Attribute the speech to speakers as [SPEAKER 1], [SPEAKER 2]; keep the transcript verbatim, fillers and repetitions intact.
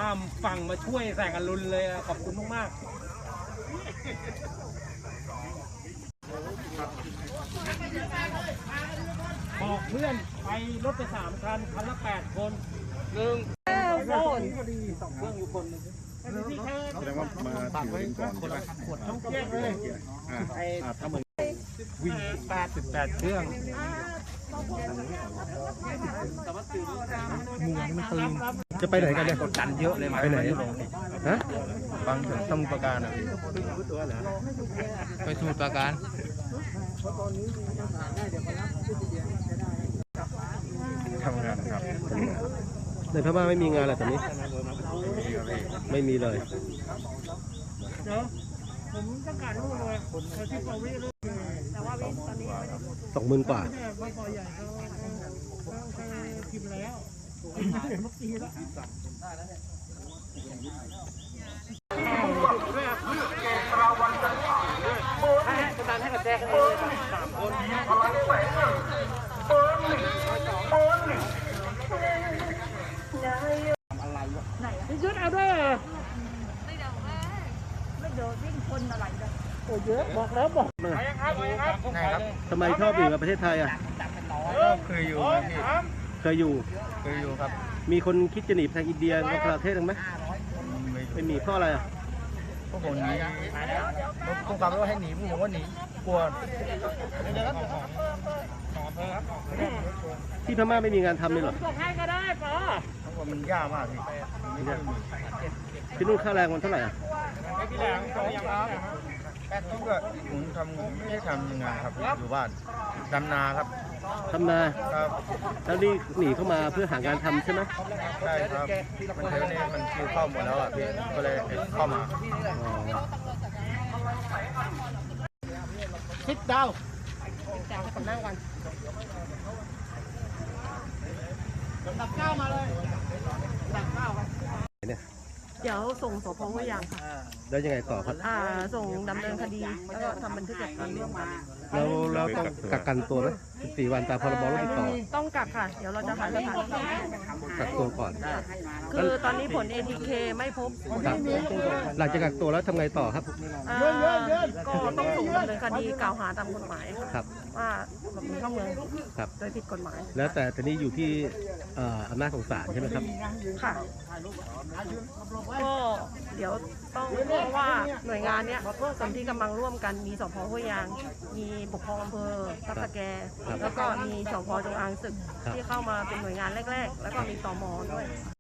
[SPEAKER 1] ข้ามฝั่งมาช่วยแสงอรุณเลยขอบคุณมากๆบอกเพื่อนไปรถไปสามคันคันละแปดคนหนึ่งโซนสองเครื่องอยู่คนนึง
[SPEAKER 2] แสดงว่ามาถือลิงก่อนใช่ไหมขวดต้องแยกเลยอ่าถ้ามึง
[SPEAKER 1] วิ่งแปดสิบแปดเครื่องมูนี่มันตึง
[SPEAKER 2] จะไปไหนกันเนี่ย
[SPEAKER 1] กดดันเยอะเลยมา
[SPEAKER 2] ไปไหนฮะ
[SPEAKER 1] บางถึงสมุทรปราการอ่ะไปสมุทรปราการ
[SPEAKER 2] ทำงานครับ
[SPEAKER 3] ในพม่าไม่มีงานอะไรตอนนี้ไม่มีเลย
[SPEAKER 1] เดี๋ยวผมต้องการลูกเลยที่ปวิลูกแต่ว่าวิตอนนี้
[SPEAKER 3] สองหมื่นกว่า
[SPEAKER 1] ปอใหญ่เขาพิมพ์แล้วเมื่อกี้แล้วให้กำลังให้กับแจ๊คเลยสามคนไหนพี่ชุดเอาด้วยไม่เดี๋ยวไม่เดี๋ยววิ่งคนอะไรเลยโอ้เยอะบอกแล้วบอกไปครับไปครับ
[SPEAKER 3] ทำไมชอบอยู่กับประเทศไทยอ่ะ
[SPEAKER 2] เคยอยู่พี่
[SPEAKER 3] เคยอยู่
[SPEAKER 2] เคยอยู่ครับ
[SPEAKER 3] มีคนคิดจะหนีไปทางอินเดียกับประเทศไหมไม่มีเพราะอะไรอ่ะ
[SPEAKER 2] พวกผมหนีพวกความว่าให้หนีพวกผมว่าหนีกลัว
[SPEAKER 3] ที่พม่าไม่มีงานทำเลยหรอ
[SPEAKER 1] ส่งให้ก็ได้ปอ
[SPEAKER 2] เพราะมันยากมากพี่
[SPEAKER 3] ที่นู่นค่าแรงมันเท่าไหร่อ่ะ
[SPEAKER 1] พี่แรงสองอย่างครับ
[SPEAKER 2] ทุกข์ผมทำไม่ได้ทำงานครับอยู่บ้านดำนาครับ
[SPEAKER 3] ทำนา
[SPEAKER 2] ครับ
[SPEAKER 3] แล้วนี่หนีเข้ามาเพื่อหางานทำใช่ไหม
[SPEAKER 2] ใช่ครับมันเทนี่มันคิวเข้าหมดแล้วอ่ะพี่ก็เลยเข้ามา
[SPEAKER 1] คิดดาวแจกให้คนนั่งก่อนดับเก้ามาเลยดับเก้าไป
[SPEAKER 3] เนี่ย
[SPEAKER 4] เดี๋ยวส่งสพห้วยยางค่ะ
[SPEAKER 3] แล้วยังไงต่อครับ
[SPEAKER 4] อ่าส่งดำเนินคดีแล้วก็ทำบันทึกจับกุมเรื่องมา
[SPEAKER 3] แล้วเราต้องกักกันตัวไหมสิบสี่วันตามพรบโรคติดต่อ
[SPEAKER 4] ต้องกักค่ะเดี๋ยวเราจะหาสถานที่
[SPEAKER 3] กักตัวก่อน
[SPEAKER 4] คือตอนนี้ผล เอ ที เค ไม่พบ
[SPEAKER 3] หลังจากกักตัวแล้วทำไงต่อครับ
[SPEAKER 4] ก็ต้องส่งดำเนินคดีกล่าวหาตามกฎหมาย
[SPEAKER 3] ครับ
[SPEAKER 4] ว่าหลบหนีเข้าเมือง
[SPEAKER 3] ครับ
[SPEAKER 4] โดยผิดกฎหมาย
[SPEAKER 3] แล้วแต่ทีนี้อยู่ที่อำนาจของศาลใช่ไหมครับ
[SPEAKER 4] ค่ะก็เดี๋ยวต้องเพราะว่าหน่วยงานเนี้ยส่วนที่กำลังร่วมกันมีสพห้วยยางมีปกครองอำเภอทับตะแกแล้วก็มีสพจงอางศึกที่เข้ามาเป็นหน่วยงานแรกๆแล้วก็มีตม.ด้วย